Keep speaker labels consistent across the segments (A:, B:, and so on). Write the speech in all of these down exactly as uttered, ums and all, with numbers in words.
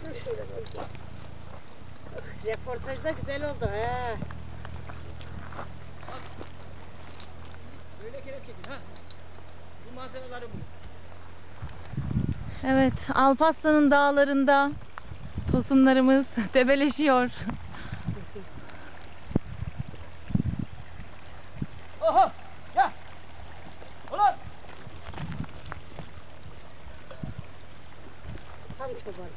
A: Reportaj da güzel oldu he.
B: Böyle kere çekin ha. Bu manzaraları bu.
C: Evet, Alparslan'ın dağlarında tosunlarımız debeleşiyor.
B: Oha! Gel! Ulan!
A: Tam çoban.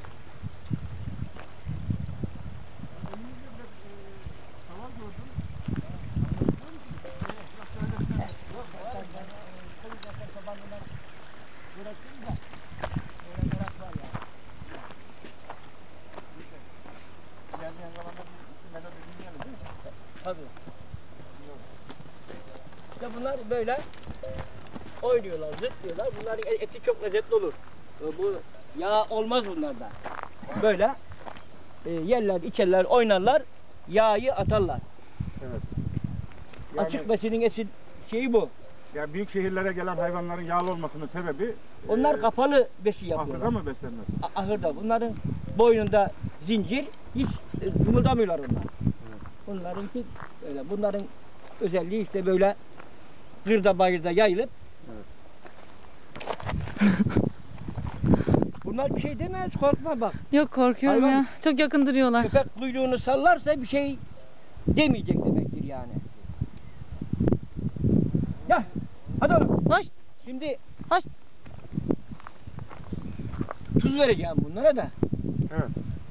B: Tabii. İşte bunlar böyle oynuyorlar, zıplıyorlar. Bunların eti çok lezzetli olur. Bu yağ olmaz bunlarda. Böyle e, yerler, içerler, oynarlar, yağı atarlar.
D: Evet. Yani,
B: Açık besinin eti şeyi bu.
D: ya büyük şehirlere gelen hayvanların yağlı olmasının sebebi
B: Onlar
D: e,
B: kapalı besi yapıyorlar.
D: ahırda mı beslenmesi?
B: A- Ahırda. Bunların boynunda zincir, hiç e, kımıldamıyorlar onlar. Bunlarınki öyle. Bunların özelliği işte böyle kırda bayırda yayılıp.
D: Evet.
B: Bunlar bir şey demez, korkma bak.
C: Yok, korkuyorum
B: Hayvan-
C: ya. Çok yakın duruyorlar.
B: Köpek kuyruğunu sallarsa bir şey demeyecek demektir yani. Gel. Hadi oğlum.
C: Hoş.
B: Şimdi
C: Hoş.
B: tuz vereceğim bunlara da.
D: Evet.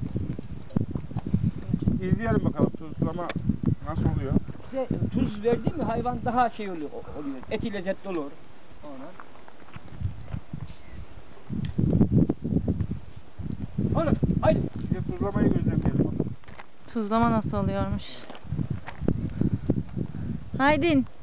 D: İzleyelim bakalım tuzlama nasıl oluyor.
B: İşte tuz verdi mi hayvan daha şey oluyor. oluyor. Eti lezzetli olur. Ona. Oğlum haydi.
D: Bir de tuzlamayı gözlemleyelim bakalım.
C: Tuzlama nasıl oluyormuş? Haydin.